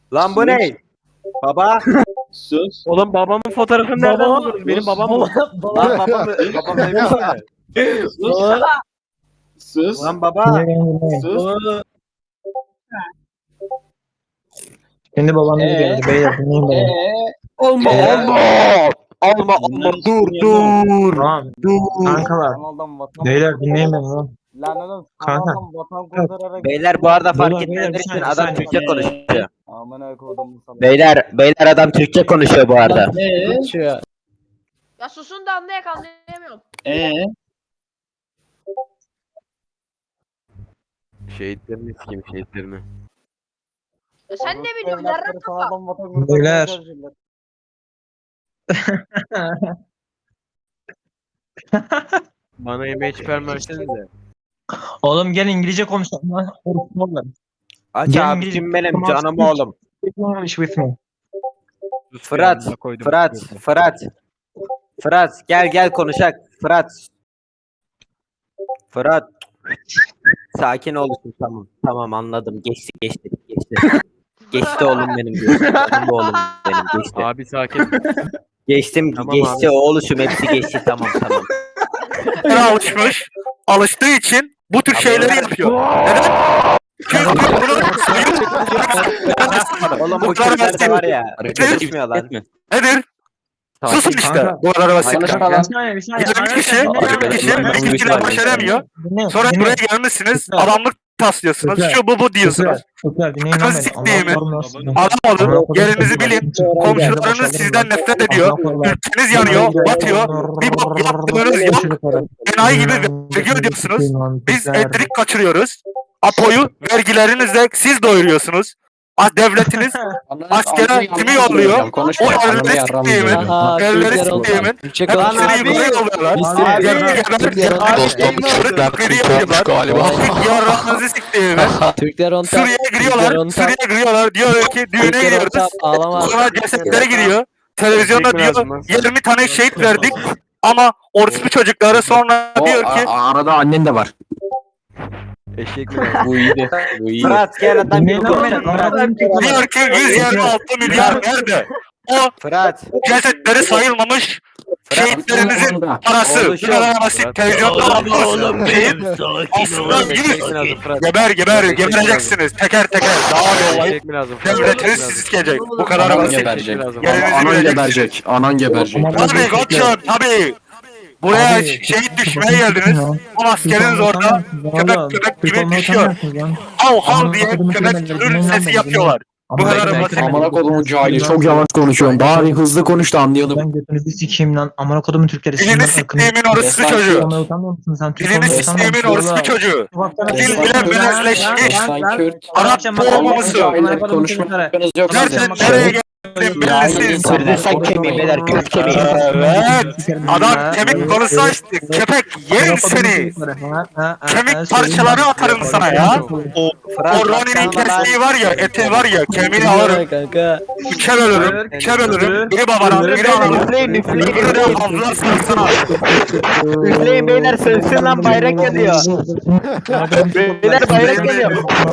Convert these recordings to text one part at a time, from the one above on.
Lan bu ne? Baba. Sus. Oğlum babamın fotoğrafını nereden Baba. buldunuz? Benim babam bu. Lan babam demiş mi? Sus. Sus. Lan baba. Sus. Kendi babam gibi geldi. Beyler dinleyin beni. Olma Ee? olma. Alma alma dur. Tamam. Kankalar. Kanaldan vatan Beyler dinleyin beni lan. Lan oğlum Kanka. kanaldan vatan kurtararak Beyler bu arada fark Beyler, etmeyenler bir için saniye, adam bir saniye. Türkçe konuşuyor. amına koydum sana. Beyler adam Türkçe konuşuyor bu arada. Ya susun da anlayamıyorum. Şehitlerini sikeyim şehitlerini. Ya sen ne biliyorsun yarrak kafa. Kanaldan vatan kurtararak Beyler. çalışıyorlar. Bana yemeği çıkarmazsınız. Oğlum gel İngilizce konuşalım lan. Oğlum. Aç Gel abi İngilizce kim benim konuşalım. canım oğlum. English with me. Fırat gel konuşak. Fırat. Sakin olursun tamam anladım geçti. Geçti oğlum benim geçti. Oğlum benim geçti. Abi sakin. Geçtim Tamam geçti oğluşum hepsi geçti tamam. Alışmış. Alıştığı için bu tür şeyleri yapıyor. Neden? Çünkü bunu Oğlum bu Mutlar kızlar da versin. var ya. Konuşmuyor lan. nedir? Susun işte. Kanka. Bu kadar basit. Bir saniye. 20 kişi bizimkiler başaramıyor. Sonra buraya gelmişsiniz. Adamlık taslıyorsunuz. Şu bu diyorsunuz. Çocuklar dinleyin lan Kız beni. siktiğimi. Allah'ım olsun. Adam olun. Yerinizi bilin. Komşularınız sizden nefret ediyor. Ülkeniz yanıyor. Batıyor. Bir bok yaptığınız yok. Enayi gibi vergi ödüyorsunuz. Biz elektrik kaçırıyoruz. Apo'yu vergilerinizle siz doyuruyorsunuz. Devletiniz askere kimi yolluyor? O evleri siktiğimin, evleri siktiğimin hepsini yukarı yolluyorlar. Yarrağınızı siktiğimin. Suriye'ye giriyorlar. Diyor ki düğüne gidiyoruz. Sonra cesetlere gidiyor. Televizyonda diyor 20 tane şehit verdik. Ama orospu çocukları sonra diyor ki Arada annen de var. Eşek mi? Bu iyiydi. Bu iyi. Fırat gel adam gibi Dinleyin lan konuş. beni. diyor ki 126 milyar nerede? O Fırat. cesetleri sayılmamış şehitlerimizin parası. Oğlum, Bu kadar basit. Televizyonda Oğlum benim aslında Eşek 100 mi lazım Fırat? gebereceksiniz teker teker. Daha bir olay. Eşek mi lazım? Devletiniz sizi sikecek. Bu kadar Anan basit. geberecek. Yerinizi Anan bileceksiniz. geberecek. Anan geberecek. Tabii koçum tabii. Buraya şehit düşmeye geldiniz. Ama askeriniz orada köpek gibi düşüyor. Hav hav diye köpek türür sesi yapıyorlar. Bu kadar basit. Amına kodumun cahili çok yavaş konuşuyorsun. Bari hızlı konuş da anlayalım. Ben götünüzü sikeyim lan. Amına kodumun Türkleri. Dilini siktiğimin orospu çocuğu. Utanmıyor musun sen? Dilini siktiğimin orospu çocuğu. Dil bile beleşleşmiş. Arap doğmaması. Konuşmanız yok. Nereden nereye geldin belirsiz. Kırdısak kemiği beyler küp kemiği. Evet. Adam kemik konusu açtı. Köpek yerim seni. Kemik parçaları atarım sana ya. O Ronnie'nin kestiği var ya, eti var ya, kemiğini alırım. Üçe bölürüm. Biri babana, biri anana. Biri de abla sırtına. Üfleyin beyler sönsün lan bayrak yanıyor. Beyler bayrak yanıyor.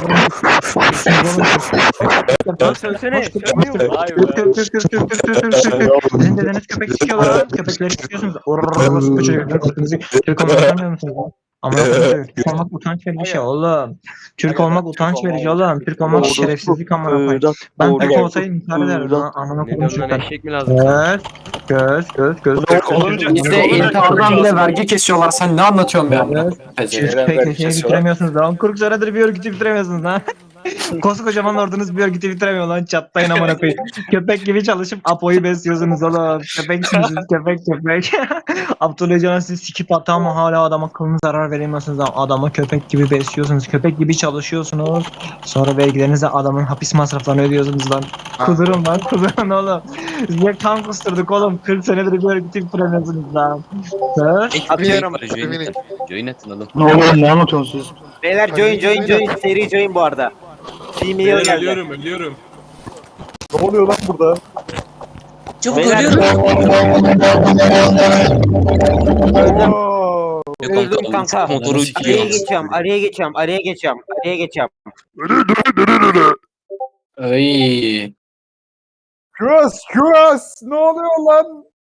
Lan söylesene. Vay be. Sizin dedeniz köpek sikiyorlar lan. Köpekleri sikiyorsunuz. Orası bu çocuklar. Türk olmak utanmıyor musunuz lan? Ama Türk olmak utanç verici şey oğlum. Türk olmak utanç verici oğlum. Türk olmak şerefsizlik amına koyayım. Ben Türk olsaydım intihar ederdim lan. Amına Ne koyayım diyorsun lan çocuklar. eşek mi lazım? Göz. Bizde intihardan bile vergi kesiyorlar. Sen ne anlatıyorsun be? Peki şey bitiremiyorsunuz lan. 40 senedir bir örgütü bitiremiyorsunuz lan. Koskocaman ordunuz bir örgütü bitiremiyor lan. Çatlayın amına koyayım. Köpek gibi çalışıp Apo'yu besliyorsunuz oğlum. Köpeksiniz köpek. Abdullah Can'a siz sikip atı ama hala adama kılını zarar veremiyorsunuz lan. Adamı köpek gibi besliyorsunuz. Köpek gibi çalışıyorsunuz. Sonra vergilerinize adamın hapis masraflarını ödüyorsunuz lan. Kudurun oğlum. Size kan kusturduk oğlum. 40 senedir bir örgütü bitiremiyorsunuz lan. Atıyorum. Join atın oğlum. Ne oluyor ne anlatıyorsunuz? Beyler join seri join bu arada. Female geldi. Ölüyorum. Ne oluyor lan burada? Beyler öldüm kanka. Motoru Araya geçiyorum. Ay. Küras küras ne oluyor lan?